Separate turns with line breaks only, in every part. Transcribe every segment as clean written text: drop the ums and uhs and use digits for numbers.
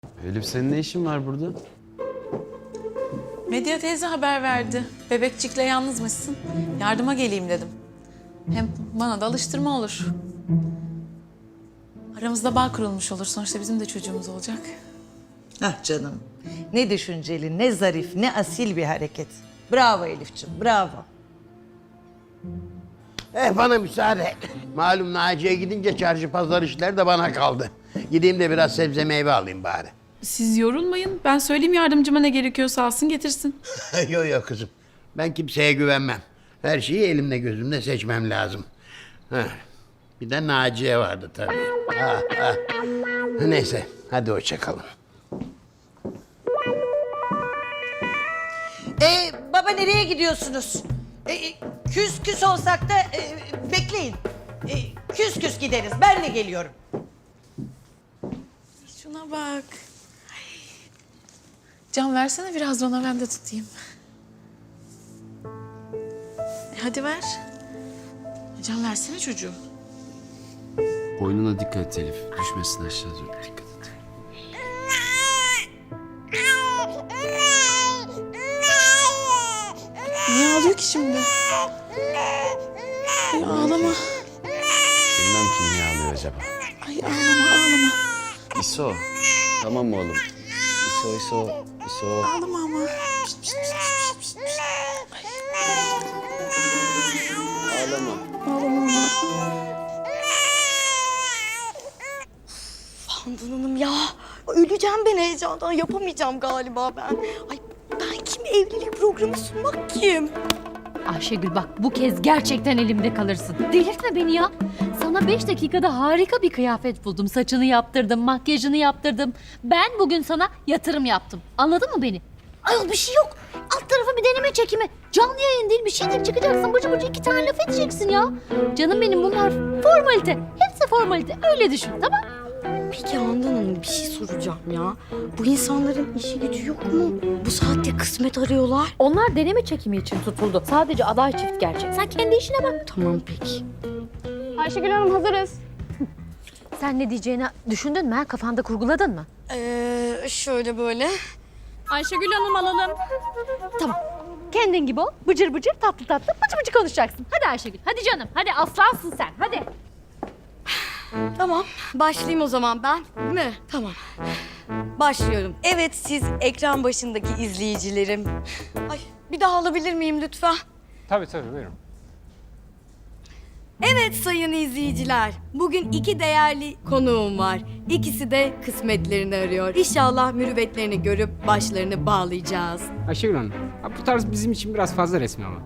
Elif senin ne işin var burada?
Medya teyze haber verdi. Bebekçikle yalnızmışsın. Yardıma geleyim dedim. Hem bana da alıştırma olur. Aramızda bağ kurulmuş olur. Sonuçta bizim de çocuğumuz olacak.
Ah canım. Ne düşünceli, ne zarif, ne asil bir hareket. Bravo Elifciğim, bravo.
Bana müsaade. Malum Naciye gidince çarşı pazar işler de bana kaldı. Gideyim de biraz sebze meyve alayım bari.
Siz yorulmayın. Ben söyleyeyim yardımcıma ne gerekiyorsa alsın getirsin.
Yok yok kızım. Ben kimseye güvenmem. Her şeyi elimle gözümle seçmem lazım. Heh. Bir de Naciye vardı tabii. Neyse hadi hoşça kalın.
Baba nereye gidiyorsunuz? Küs küs olsak da bekleyin. Küs küs gideriz, ben de geliyorum.
Şuna bak. Can versene biraz da ona ben de tutayım. Hadi ver. Can versene çocuğu.
Boynuna dikkat et Elif. Düşmesin aşağı doğru. Dikkat et.
Niye ağlıyor ki şimdi? Ay ağlama.
Bilmem ki niye ağlıyor acaba.
Ay ağlama.
İso. Tamam mı oğlum? İso.
Ağlama ama.
Ağlama.
Ağlama ama.
Handan Hanım ya, öleceğim ben heyecandan. Yapamayacağım galiba ben. Ay ben kim evlilik programı sunmak kim?
Ayşegül bak bu kez gerçekten elimde kalırsın. Delirtme beni ya. Sana 5 dakikada harika bir kıyafet buldum. Saçını yaptırdım, makyajını yaptırdım. Ben bugün sana yatırım yaptım. Anladın mı beni? Ayol bir şey yok. Alt tarafı bir deneme çekimi. Canlı yayın değil bir şey değil çıkacaksın. Bıcı bıcı 2 tane laf edeceksin ya. Canım benim bunlar formalite. Hepsi formalite. Öyle düşün tamam.
Peki Handan Hanım bir şey soracağım ya. Bu insanların işi gücü yok mu? Bu saatte kısmet arıyorlar.
Onlar deneme çekimi için tutuldu. Sadece aday çift gerçek. Sen kendi işine bak.
Tamam peki.
Ayşegül Hanım hazırız.
Sen ne diyeceğini düşündün mü? Ha? Kafanda kurguladın mı?
Şöyle böyle.
Ayşegül Hanım alalım.
Tamam. Kendin gibi ol. Bıcır bıcır tatlı tatlı bıcı bıcı konuşacaksın. Hadi Ayşegül. Hadi canım. Hadi aslansın sen. Hadi.
Tamam başlayayım o zaman ben. Değil mi? Tamam. Başlıyorum. Evet siz ekran başındaki izleyicilerim. Ay bir daha alabilir miyim lütfen?
Tabii buyurun.
Evet sayın izleyiciler, bugün 2 değerli konuğum var. İkisi de kısmetlerini arıyor. İnşallah mürüvvetlerini görüp başlarını bağlayacağız.
Ayşegül Hanım, bu tarz bizim için biraz fazla resmi ama.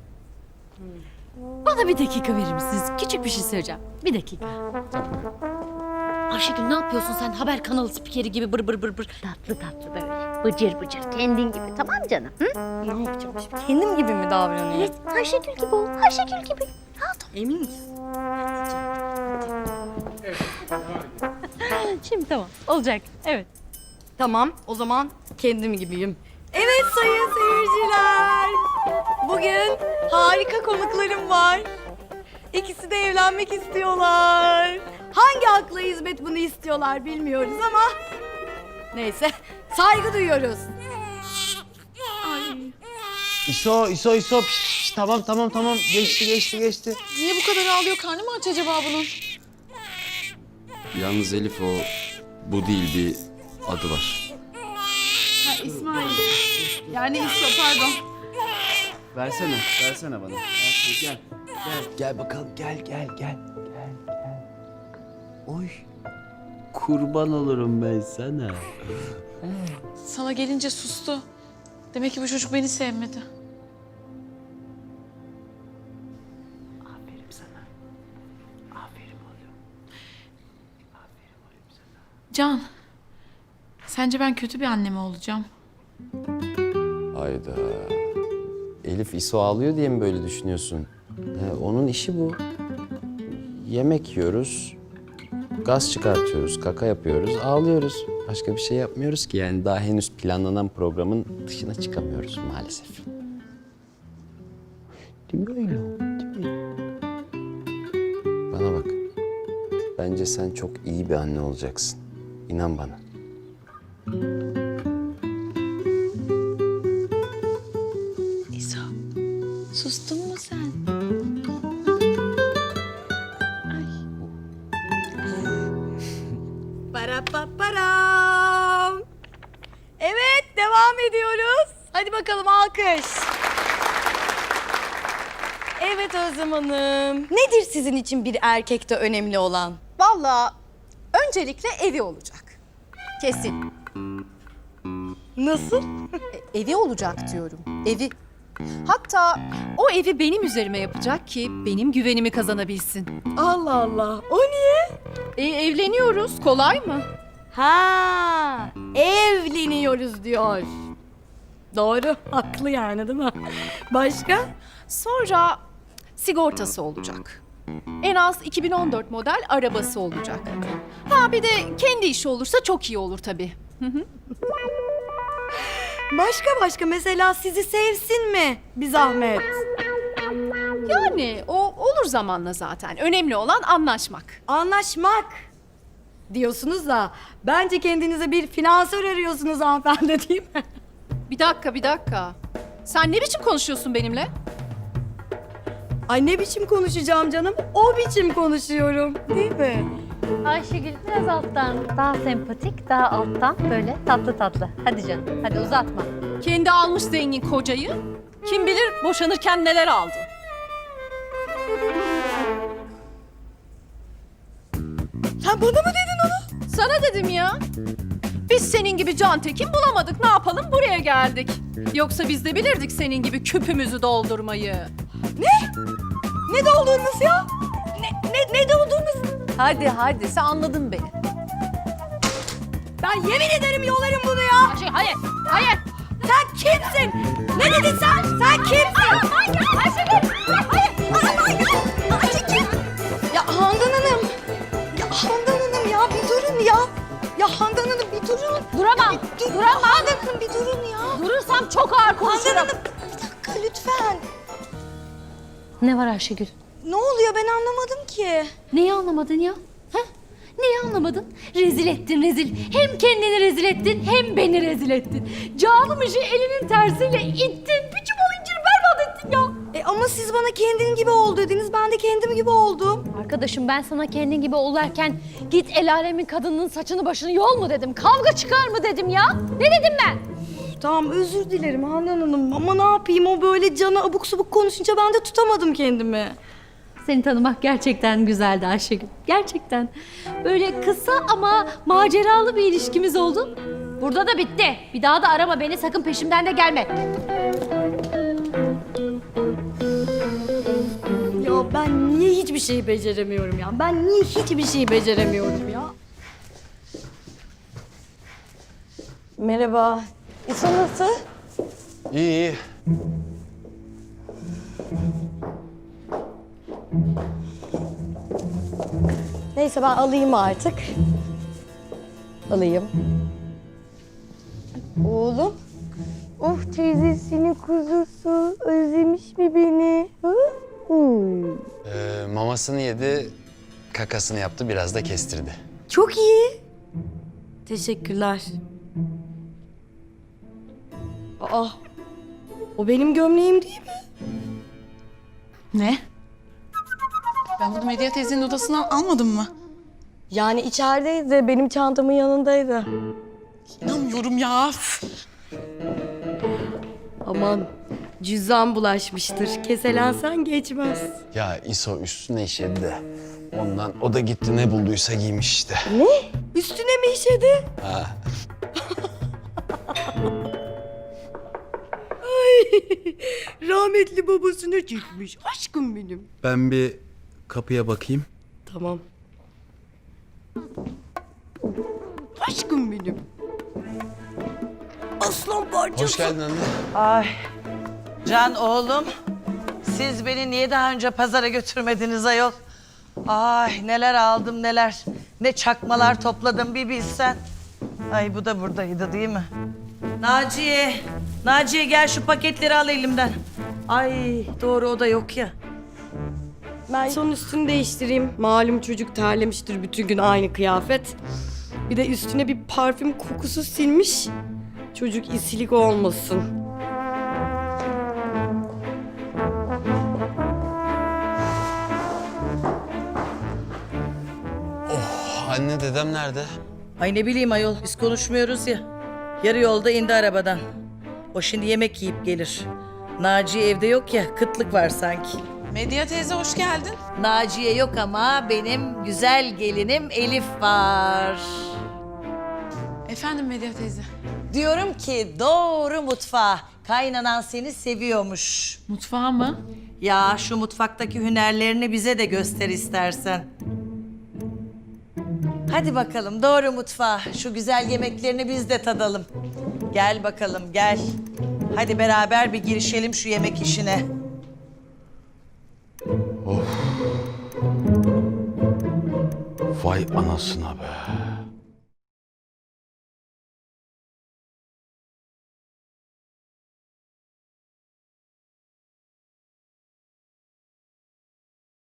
Bana bir dakika verir misiniz? Küçük bir şey söyleyeceğim. Bir dakika. Ayşegül ne yapıyorsun sen? Haber kanalı spikeri gibi bır bır bır bır. Tatlı tatlı böyle. Bıcır bıcır. Kendin gibi. Tamam canım? Hı?
Ne yapacağım şimdi? Kendim gibi mi davranıyorum?
Evet. Ayşegül gibi ol. Ayşegül gibi. Ha, tamam.
Emin misin?
Şimdi tamam. Olacak. Evet.
Tamam, o zaman kendim gibiyim. Evet sayın seyirciler. Bugün harika konuklarım var. İkisi de evlenmek istiyorlar. Hangi akla hizmet bunu istiyorlar bilmiyoruz ama... Neyse, saygı duyuyoruz.
İso. Piş, tamam. Geçti.
Niye bu kadar ağlıyor? Karnı mı aç acaba bunun?
Yalnız Elif bu değil bir adı var.
Ha İsmail. Yani İso pardon.
Versene bana. Gel. Gel bakalım gel. Oy. Kurban olurum ben sana.
Sana gelince sustu. Demek ki bu çocuk beni sevmedi.
Aferin sana. Aferin oğlum.
Can, sence ben kötü bir anne mi olacağım?
Hayda. Elif İso ağlıyor diye mi böyle düşünüyorsun? Onun işi bu. Yemek yiyoruz, gaz çıkartıyoruz, kaka yapıyoruz, ağlıyoruz. Başka bir şey yapmıyoruz ki yani daha henüz planlanan programın dışına çıkamıyoruz maalesef. Değil mi öyle? Değil mi? Bana bak. Bence sen çok iyi bir anne olacaksın. İnan bana.
devam ediyoruz. Hadi bakalım alkış. Evet Özlem Hanım. Nedir sizin için bir erkekte önemli olan?
Vallahi öncelikle evi olacak. Kesin.
Nasıl?
Evi olacak diyorum. Evi. Hatta o evi benim üzerime yapacak ki benim güvenimi kazanabilsin.
Allah Allah. O niye?
Evleniyoruz. Kolay mı?
Ha, evleniyoruz diyor. Doğru, haklı yani değil mi? Başka?
Sonra sigortası olacak. En az 2014 model arabası olacak. Ha bir de kendi işi olursa çok iyi olur tabii.
Başka mesela sizi sevsin mi? Bir zahmet.
Yani o olur zamanla zaten. Önemli olan anlaşmak.
Anlaşmak diyorsunuz da bence kendinize bir finansör arıyorsunuz hanımefendi değil mi?
Bir dakika. Sen ne biçim konuşuyorsun benimle?
Ay ne biçim konuşacağım canım? O biçim konuşuyorum değil mi?
Ayşegül biraz alttan, daha sempatik, daha alttan böyle tatlı tatlı. Hadi canım, hadi uzatma.
Kendi almış zengin kocayı. Kim bilir boşanırken neler aldı.
Sen bana mı dedin onu?
Sana dedim ya. Biz senin gibi can tekin bulamadık. Ne yapalım? Buraya geldik. Yoksa biz de bilirdik senin gibi küpümüzü doldurmayı.
Ne doldurunuz ya? Ne doldurunuz?
Hadi sen anladın beni.
Ben yemin ederim yolarım bunu ya.
Hayır.
Sen kimsin? Ne dedin sen? Sen kimsin? Ayşegül! Hayır! Ayşe kim? Ya Handan Hanım! Ya bir durun ya! Ya Handan Hanım bir durun!
Duramam.
Duramam! Handan Hanım bir durun ya!
Durursam çok ağır konuşurum.
Handan Hanım bir dakika lütfen!
Ne var Ayşegül?
Ne oluyor ben anlamadım ki.
Neyi anlamadın ya? Ha? Neyi anlamadın? Rezil ettin rezil. Hem kendini rezil ettin hem beni rezil ettin. Canım işi elinin tersiyle ittin. Bir çuval incir berbat ettin ya.
Ama siz bana kendin gibi ol dediniz. Ben de kendim gibi oldum.
Arkadaşım ben sana kendin gibi ol derken git el alemin kadının saçını başını yol mu dedim? Kavga çıkar mı dedim ya? Ne dedim ben?
Tamam özür dilerim Handan Hanım ama ne yapayım o böyle cana abuk subuk konuşunca ben de tutamadım kendimi.
Seni tanımak gerçekten güzeldi Ayşegül. Gerçekten. Böyle kısa ama maceralı bir ilişkimiz oldu. Burada da bitti. Bir daha da arama beni, sakın peşimden de gelme.
Ya ben niye hiçbir şeyi beceremiyorum ya? Ben niye hiçbir şeyi beceremiyorum ya? Merhaba. İso nasıl?
İyi.
Neyse ben alayım artık. Alayım. Oğlum. Of teyzesinin kuzusu. Özlemiş mi beni? Hı?
Mamasını yedi, kakasını yaptı, biraz da kestirdi.
Çok iyi. Teşekkürler. Aa, o benim gömleğim değil mi?
Ne? Ben bunu Medya teyzenin odasından almadım mı?
Yani içerideydi, benim çantamın yanındaydı.
İnanmıyorum ya.
Aman, cüzdan bulaşmıştır. Keselensen geçmez.
Ya İso üstüne işedi de ondan o da gitti ne bulduysa giymiş işte.
Üstüne mi işedi?
Ha.
Rahmetli babasına çıkmış. Aşkım benim.
Ben bir kapıya bakayım.
Tamam. Aşkım benim. Aslan parçası.
Hoş geldin anne.
Ay Can oğlum, siz beni niye daha önce pazara götürmediniz ayol? Ay neler aldım neler. Ne çakmalar topladım bir bilsen. Ay bu da buradaydı değil mi? Naciye gel şu paketleri al elimden. Ay doğru o da yok ya.
Ben son üstünü değiştireyim. Malum çocuk terlemiştir bütün gün aynı kıyafet. Bir de üstüne bir parfüm kokusu silmiş. Çocuk isilik olmasın.
Anne dedem nerede?
Ay ne bileyim ayol biz konuşmuyoruz ya. Yarı yolda indi arabadan. O şimdi yemek yiyip gelir. Naciye evde yok ya, kıtlık var sanki.
Medya teyze hoş geldin.
Naciye yok ama benim güzel gelinim Elif var.
Efendim Medya teyze.
Diyorum ki doğru mutfağa. Kaynanan seni seviyormuş.
Mutfağa mı?
Ya şu mutfaktaki hünerlerini bize de göster istersen. Hadi bakalım doğru mutfağa. Şu güzel yemeklerini biz de tadalım. Gel bakalım gel. Hadi beraber bir girişelim şu yemek işine.
Vay anasına be.